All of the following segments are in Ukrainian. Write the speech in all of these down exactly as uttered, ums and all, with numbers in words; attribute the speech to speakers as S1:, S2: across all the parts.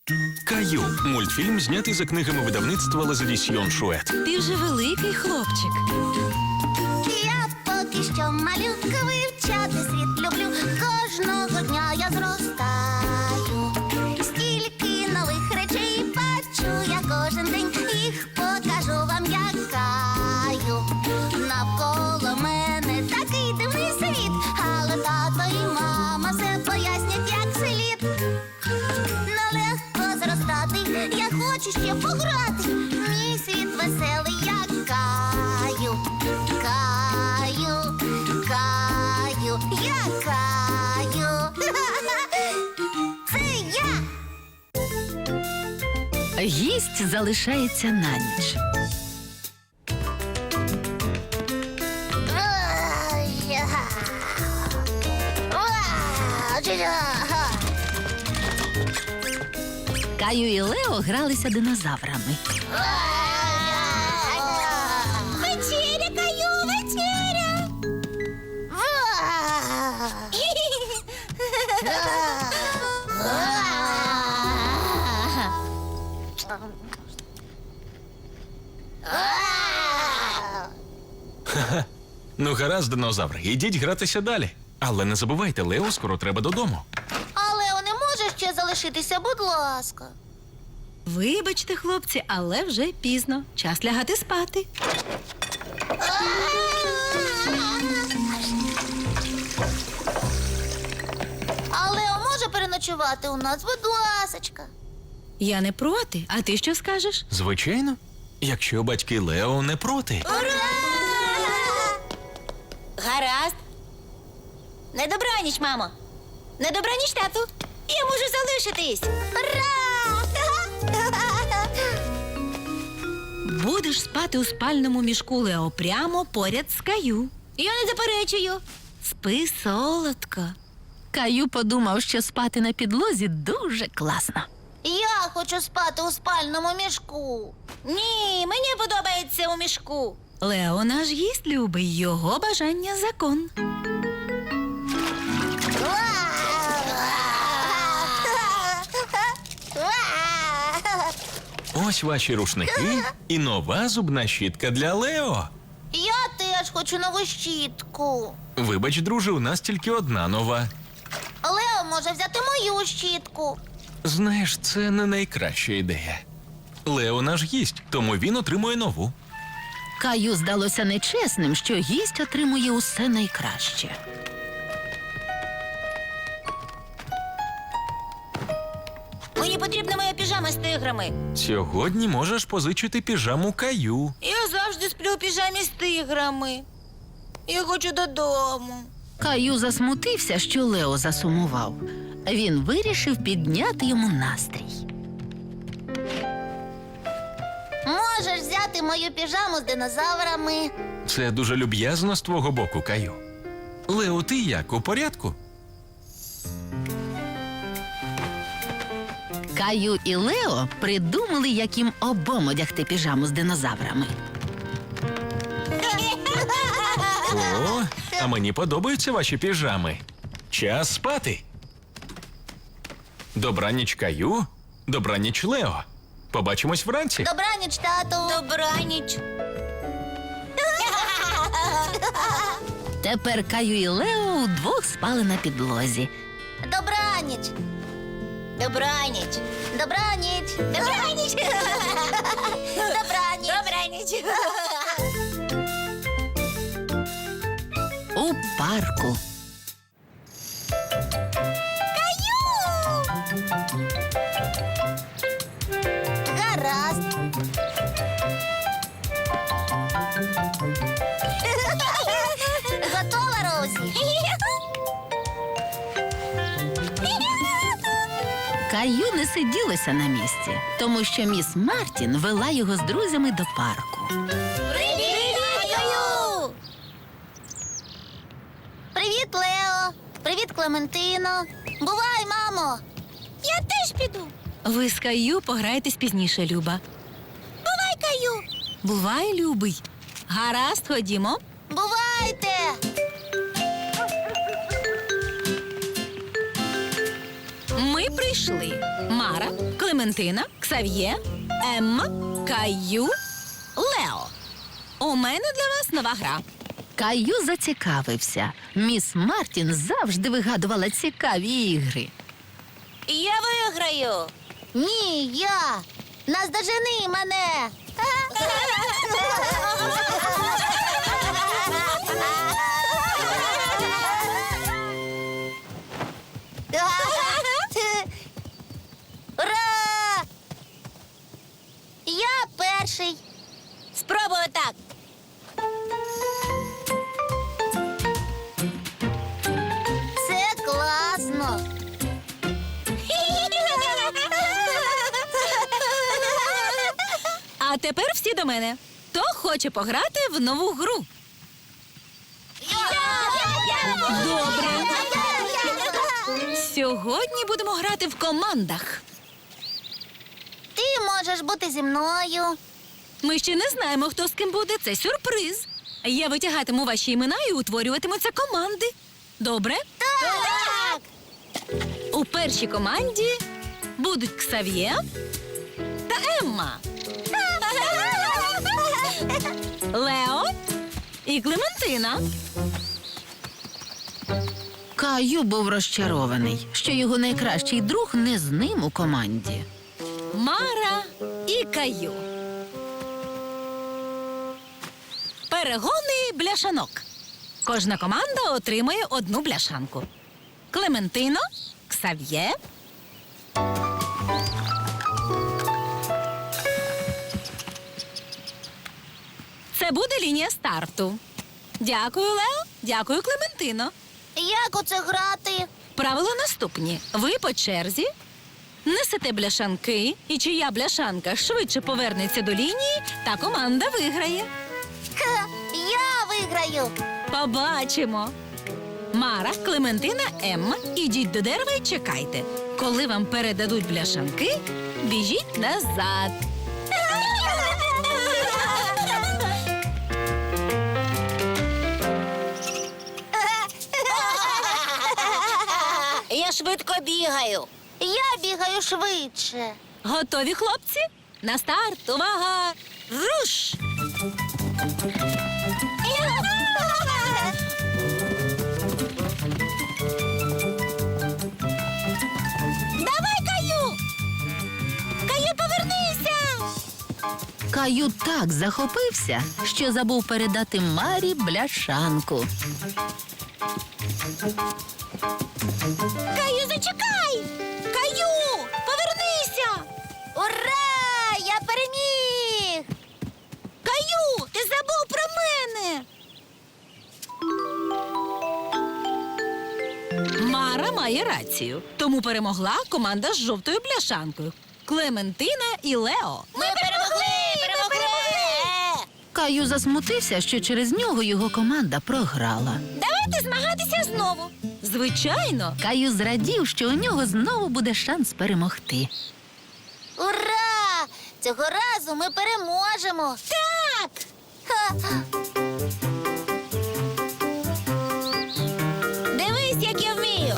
S1: Каю – мультфільм, знятий за книгами видавництва Лазадісьйон Шует.
S2: Ти вже великий хлопчик.
S3: Я поки що малюка, вивчати світ люблю. Кожного дня я зростаю. Стільки нових речей бачу я кожен день. Їх покажу вам, як Каю. Навколо мене такий дивний світ, але тато і мама все пояснять, як слід. Нелегко зростати, я хочу ще пограти. Мій світ веселий, як Каю. Каю, Каю, я Каю. Це я.
S2: Гість залишається на ніч. Каю і Лео гралися динозаврами.
S3: Вечеря, Каю, вечеря.
S1: Ну, гаразд, динозаври, ідіть гратися далі. Але не забувайте, Лео скоро треба додому.
S3: Але не може ще залишитися, будь ласка.
S2: Вибачте, хлопці, але вже пізно. Час лягати спати.
S3: Але може переночувати у нас, будь ласочка.
S2: Я не проти. А ти що скажеш?
S1: Звичайно, якщо батьки Лео не проти.
S3: Ура!
S4: Гаразд. Не добраніч, мамо. Не добраніч, тату. Я можу залишитись.
S3: Ура!
S2: Будеш спати у спальному мішку Лео прямо поряд з Каю.
S4: Я не заперечую.
S2: Спи солодко. Каю подумав, що спати на підлозі дуже класно.
S3: Я хочу спати у спальному мішку.
S4: Ні, мені подобається у мішку.
S2: Лео наш гість любий, його бажання закон.
S1: Ось ваші рушники і нова зубна щітка для Лео.
S3: Я теж хочу нову щітку.
S1: Вибач, друже, у нас тільки одна нова.
S3: Лео може взяти мою щітку.
S1: Знаєш, це не найкраща ідея. Лео наш гість, тому він отримує нову.
S2: Каю здалося нечесним, що гість отримує усе найкраще.
S4: Мені потрібна моя піжама з тиграми.
S1: Сьогодні можеш позичити піжаму Каю.
S4: Я завжди сплю у піжамі з тиграми. Я хочу додому.
S2: Каю засмутився, що Лео засумував. Він вирішив підняти йому настрій.
S3: Можеш взяти мою піжаму з динозаврами.
S1: Це дуже люб'язно з твого боку, Каю. Лео, ти як, у порядку?
S2: Каю і Лео придумали, як їм обом одягти піжаму з динозаврами.
S1: О, а мені подобаються ваші піжами. Час спати. Добраніч, Каю. Добраніч, Лео. Побачимось вранці.
S3: Добраніч, тату.
S4: Добраніч.
S2: Тепер Каю і Лео удвох спали на підлозі.
S3: Добраніч.
S4: Добраніч.
S3: Добраніч.
S4: Добраніч.
S3: Добраніч.
S4: Добраніч.
S2: У парку.
S3: Гаразд. Готова, Розі?
S2: Каю не сиділося на місці, тому що міс Мартін вела його з друзями до парку.
S3: Привіт, Каю! Привіт, Лео. Привіт, Клементино. Бувай, мамо.
S4: Я теж піду.
S2: Ви з Каю пограєтесь пізніше, Люба.
S4: Бувай, Каю.
S2: Бувай, любий. Гаразд, ходімо.
S3: Бувайте.
S2: Ми при
S5: вийшли Мара, Клементина, Ксав'є, Емма, Каю, Лео. У мене для вас нова гра.
S2: Каю зацікавився. Міс Мартін завжди вигадувала цікаві ігри.
S4: Я виграю.
S3: Ні, я. Наздожени мене. Ура! Я перший.
S4: Спробую так.
S3: Це класно.
S5: А тепер всі до мене. Хто хоче пограти в нову гру? Добре. Сьогодні будемо грати в командах.
S3: Ти можеш бути зі мною.
S5: Ми ще не знаємо, хто з ким буде. Це сюрприз. Я витягатиму ваші імена і утворюватимуться команди. Добре?
S3: Так!
S5: У першій команді будуть Ксав'є та Емма, Лео і Клементина.
S2: Каю був розчарований, що його найкращий друг не з ним у команді.
S5: Мара і Каю. Перегони бляшанок. Кожна команда отримає одну бляшанку. Клементино, Ксав'є. Це буде лінія старту. Дякую, Лео. Дякую, Клементино.
S3: Як у це грати?
S5: Правила наступні. Ви по черзі несете бляшанки, і чия бляшанка швидше повернеться до лінії, та команда виграє.
S3: Ха, я виграю.
S5: Побачимо. Мара, Клементина, Емма, ідіть до дерева і чекайте. Коли вам передадуть бляшанки, біжіть назад.
S4: Я швидко бігаю.
S3: Я бігаю швидше.
S5: Готові, хлопці? На старт, увага! Руш!
S4: Давай, Каю! Каю, повернися!
S2: Каю так захопився, що забув передати Марі бляшанку.
S4: Каю, зачекай! Каю, повернися!
S3: Ура! Я переміг!
S4: Каю, ти забув про мене!
S5: Мара має рацію, тому перемогла команда з жовтою бляшанкою. Клементина і Лео.
S4: Ми перемогли! Перемогли!
S2: Каю засмутився, що через нього його команда програла.
S5: Давайте змагатися знову. Звичайно.
S2: Каю зрадів, що у нього знову буде шанс перемогти.
S3: Ура! Цього разу ми переможемо.
S4: Так!
S3: Ха.
S4: Дивись, як я вмію!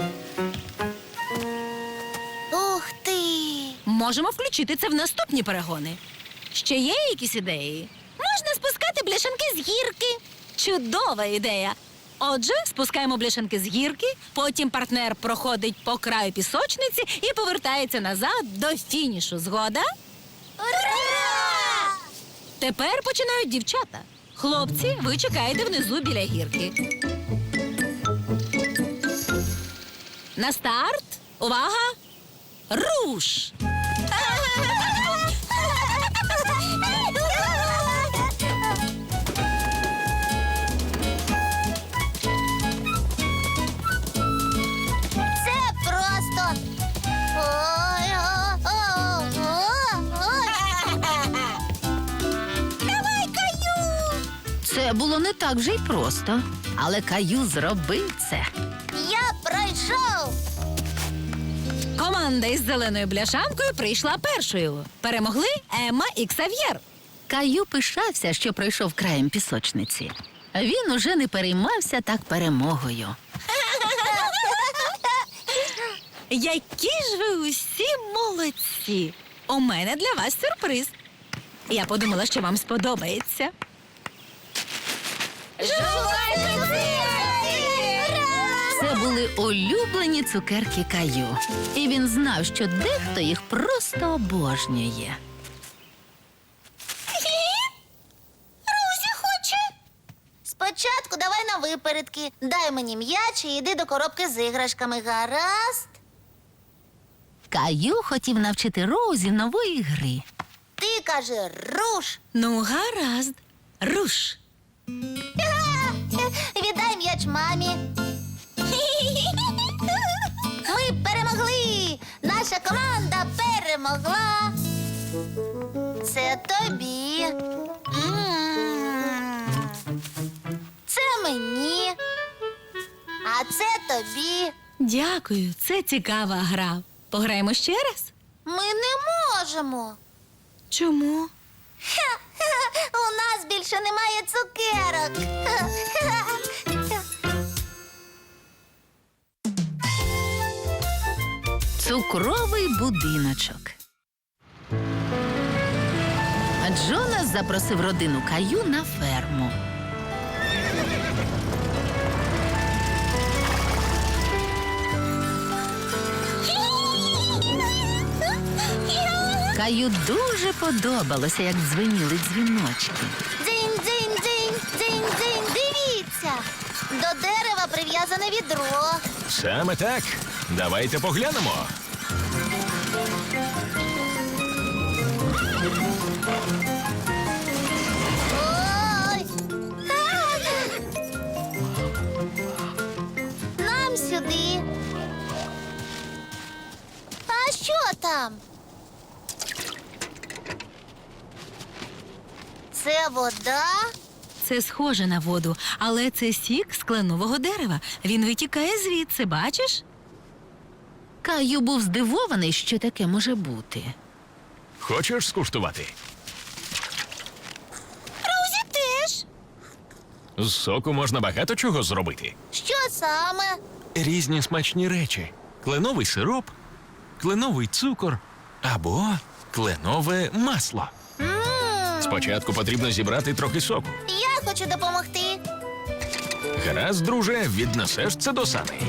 S3: Ух ти!
S5: Можемо включити це в наступні перегони. Ще є якісь ідеї?
S4: Можна спускати бляшанки з гірки.
S5: Чудова ідея. Отже, спускаємо бляшанки з гірки, потім партнер проходить по краю пісочниці і повертається назад до фінішу. Згода?
S3: Ура!
S5: Тепер починають дівчата. Хлопці, ви чекаєте внизу біля гірки. На старт. Увага! Руш!
S3: Це просто. Ой, о, о, о, ой.
S4: Давай, Каю!
S2: Це було не так вже й просто, але Каю зробив це.
S3: Я пройшов.
S5: Команда із зеленою бляшанкою прийшла першою. Перемогли Емма і Ксав'єр.
S2: Каю пишався, що пройшов краєм пісочниці. Він уже не переймався так перемогою.
S5: Які ж ви усі молодці! У мене для вас сюрприз. Я подумала, що вам сподобається.
S2: Це були улюблені цукерки Каю. І він знав, що дехто їх просто обожнює.
S3: Розі хоче. Спочатку давай на випередки. Дай мені м'яч і йди до коробки з іграшками, гаразд?
S2: Каю хотів навчити Роузі нової гри.
S3: Ти кажи руш.
S5: Ну, гаразд. Руш.
S3: Віддай м'яч мамі. Ми перемогли! Наша команда перемогла. Це тобі. М. Це мені. А це тобі.
S5: Дякую, це цікава гра. Пограємо ще раз?
S3: Ми не можемо.
S5: Чому?
S3: У нас більше немає цукерок.
S2: Цукровий будиночок. Джонас запросив родину Каю на ферму. Каю дуже подобалося, як дзвеніли дзвіночки.
S3: Дзинь, дзинь, дзинь, дзинь, дзинь. Дивіться. До дерева прив'язане відро.
S1: Саме так. Давайте поглянемо.
S3: Ой! Нам сюди. А що там? Це вода?
S5: Це схоже на воду, але це сік з кленового дерева. Він витікає звідси, бачиш?
S2: Каю був здивований, що таке може бути.
S1: Хочеш скуштувати?
S3: Розі теж.
S1: З соку можна багато чого зробити.
S3: Що саме?
S1: Різні смачні речі. Кленовий сироп, кленовий цукор або кленове масло.
S3: М,
S1: Спочатку потрібно зібрати трохи соку.
S3: Я хочу допомогти.
S1: Гаразд, друже, віднесеш це до саней.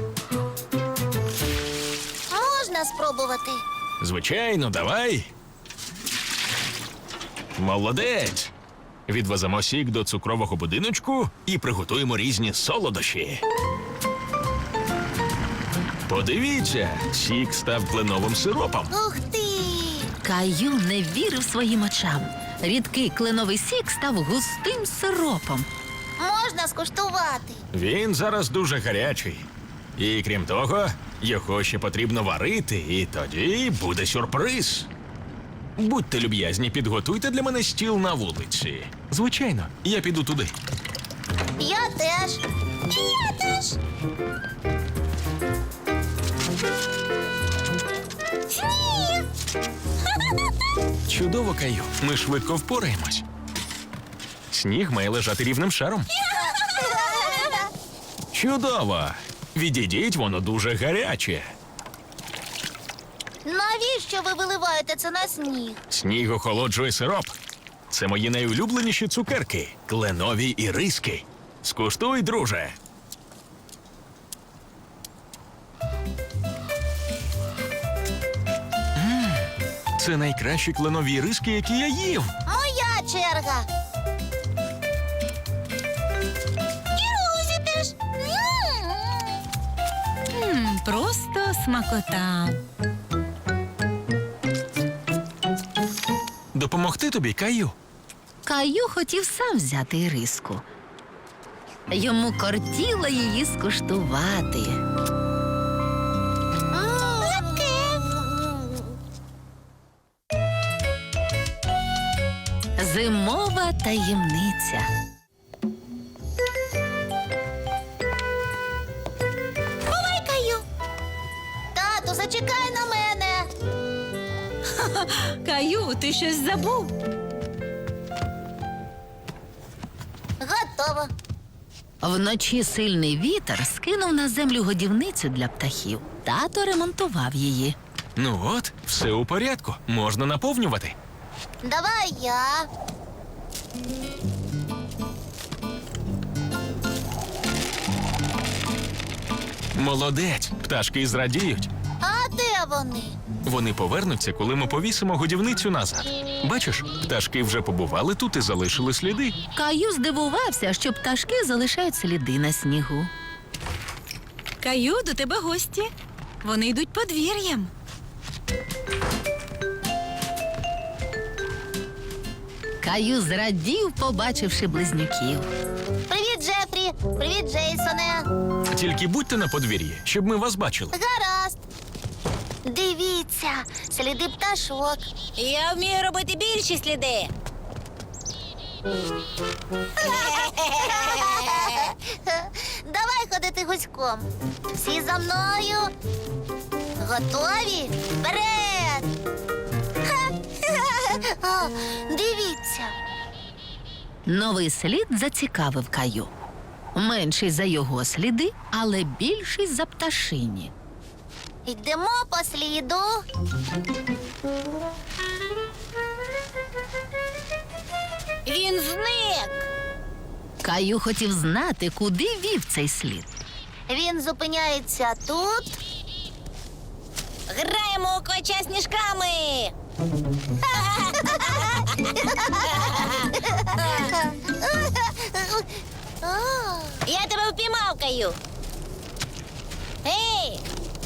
S3: Можна спробувати.
S1: Звичайно, давай. Молодець. Відвеземо сік до цукрового будиночку і приготуємо різні солодощі. Подивіться, сік став кленовим сиропом.
S3: Ух ти!
S2: Каю не вірив своїм очам. Рідкий кленовий сік став густим сиропом.
S3: Можна скуштувати.
S1: Він зараз дуже гарячий. І крім того, його ще потрібно варити, і тоді буде сюрприз. Будьте люб'язні, підготуйте для мене стіл на вулиці. Звичайно, я піду туди.
S3: Я теж. І я теж. Сніг!
S1: Чудово, Каю. Ми швидко впораємось. Сніг має лежати рівним шаром. Чудово! Відійдіть, воно дуже гаряче.
S3: Навіщо ви виливаєте це на сніг?
S1: Сніг охолоджує сироп. Це мої найулюбленіші цукерки – кленові іриски. Скуштуй, друже. М, Це найкращі кленові іриски, які я їв.
S3: Моя черга. І Розі теж. М.
S5: М, просто смакота.
S1: Допомогти тобі, Каю?
S2: Каю хотів сам взяти іриску. Йому кортіло її скуштувати.
S3: Легке.
S2: Зимова таємниця.
S3: Бувай, Каю. Тату, зачекай на мене.
S5: Каю, ти щось забув?
S3: Готово.
S2: Вночі сильний вітер скинув на землю годівницю для птахів. тато ремонтував її.
S1: Ну от, все у порядку. Можна наповнювати.
S3: Давай я.
S1: Молодець, пташки зрадіють.
S3: А де вони?
S1: Вони повернуться, коли ми повісимо годівницю назад. Бачиш, пташки вже побували тут і залишили сліди.
S2: Каю здивувався, що пташки залишають сліди на снігу.
S5: Каю, до тебе гості. Вони йдуть подвір'ям.
S2: Каю зрадів, побачивши близнюків.
S3: Привіт, Джефрі! Привіт, Джейсоне!
S1: Тільки будьте на подвір'ї, щоб ми вас бачили.
S3: Гаразд! Дивіться, сліди пташок.
S4: Я вмію робити більші сліди.
S3: Давай ходити гуськом. Всі за мною. Готові? Вперед! О, дивіться.
S2: Новий слід зацікавив Каю. Менший за його сліди, але більший за пташині.
S3: Йдемо по сліду.
S4: Він зник.
S2: Каю хотів знати, куди вів цей слід.
S3: Він зупиняється тут.
S4: Граємо у квача сніжками.
S3: О,
S4: Я тебе впіймав, Каю. Ей!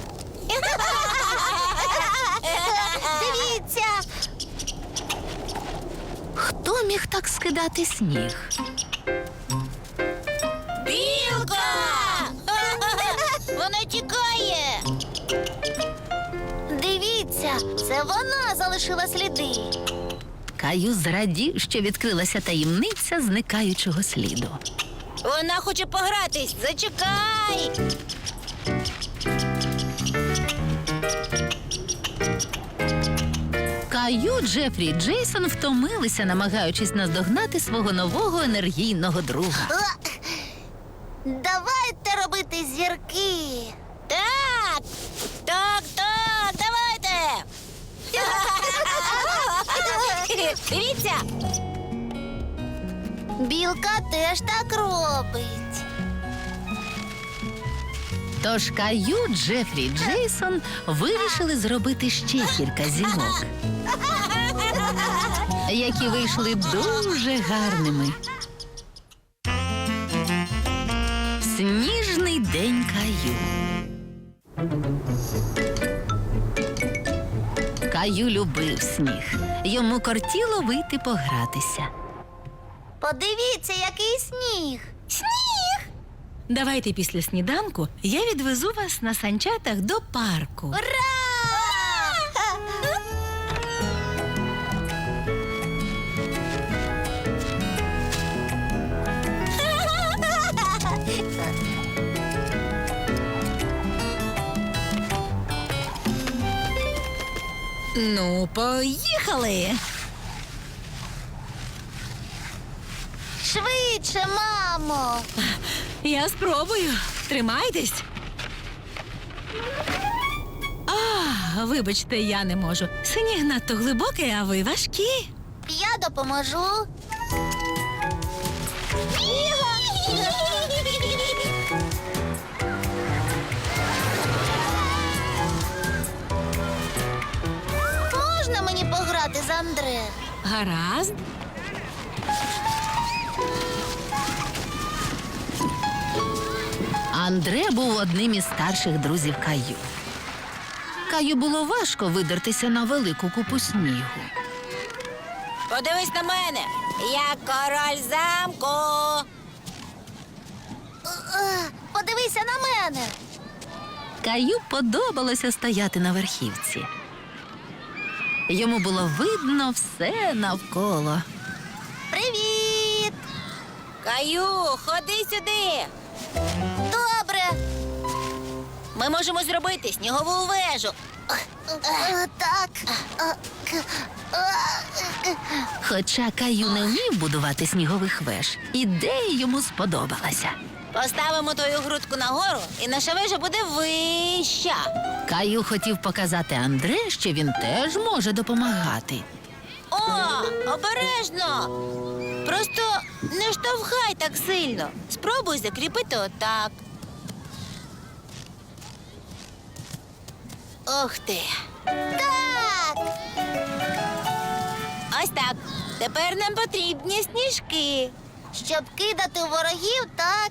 S3: дивіться.
S2: Хто міг так скидати сніг?
S4: Білка! Вона тікає.
S3: Дивіться, це вона залишила сліди.
S2: Каю зрадів, що відкрилася таємниця зникаючого сліду.
S4: Вона хоче погратись. Зачекай.
S2: Каю, Джефрі і Джейсон втомилися, намагаючись наздогнати свого нового енергійного друга.
S3: О, давайте робити зірки.
S4: Так. Так, так, давайте. Дивіться.
S3: Білка теж так робить.
S2: Тож Каю, Джефрі і Джейсон вирішили зробити ще кілька зірок, які вийшли дуже гарними. Сніжний день Каю. Каю любив сніг. Йому кортіло вийти погратися.
S3: Подивіться, який сніг.
S4: Сніг.
S5: Давайте після сніданку я відвезу вас на санчатах до парку.
S3: Ура!
S5: Ну, поїхали.
S3: Швидше, мамо.
S5: Я спробую. Тримайтесь. А, вибачте, я не можу. Сніг надто глибокий, а ви важкі.
S3: Я допоможу. Можна мені пограти з Андре?
S5: Гаразд.
S2: Андре був одним із старших друзів Каю. Каю було важко видертися на велику купу снігу.
S4: Подивись на мене. Я король замку.
S3: Е, Подивися на мене.
S2: Каю подобалося стояти на верхівці. Йому було видно все навколо.
S3: Привіт!
S4: Каю, ходи сюди.
S3: Добре.
S4: Ми можемо зробити снігову вежу.
S3: Е, Так. Е, к- е,
S2: Хоча Каю не вмів будувати снігових веж, ідея йому сподобалася.
S4: Поставимо твою грудку нагору, і наша вежа буде вища.
S2: Каю хотів показати Андре, що він теж може допомагати.
S4: О, обережно! Просто не штовхай так сильно. Спробуй закріпити отак. Ох ти.
S3: Так!
S4: Ось так. Тепер нам потрібні сніжки.
S3: Щоб кидати у ворогів, так.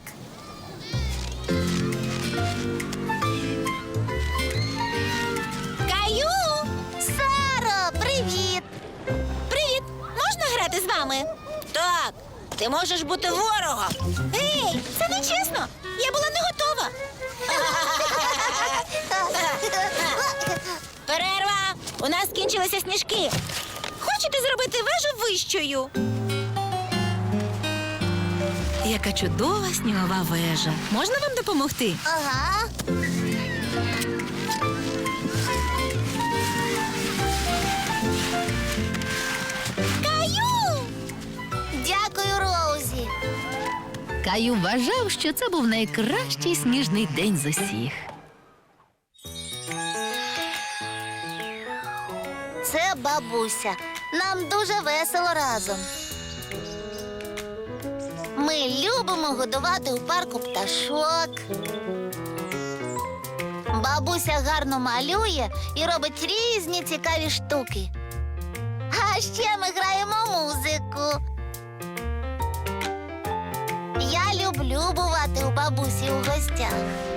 S4: Каю!
S3: Саро, привіт!
S4: Привіт! Можна грати з вами? Так, ти можеш бути ворогом. Ей, це не чесно. Я була не готова. Перерва! У нас скінчилися сніжки. Хочете зробити вежу вищою?
S5: Яка чудова снігова вежа. Можна вам допомогти?
S3: Ага.
S4: Каю!
S3: Дякую, Роузі.
S2: Каю вважав, що це був найкращий сніжний день з усіх.
S3: Це бабуся. Нам дуже весело разом. Ми любимо годувати у парку пташок. Бабуся гарно малює і робить різні цікаві штуки. А ще ми граємо музику. Я люблю бувати у бабусі у гостях.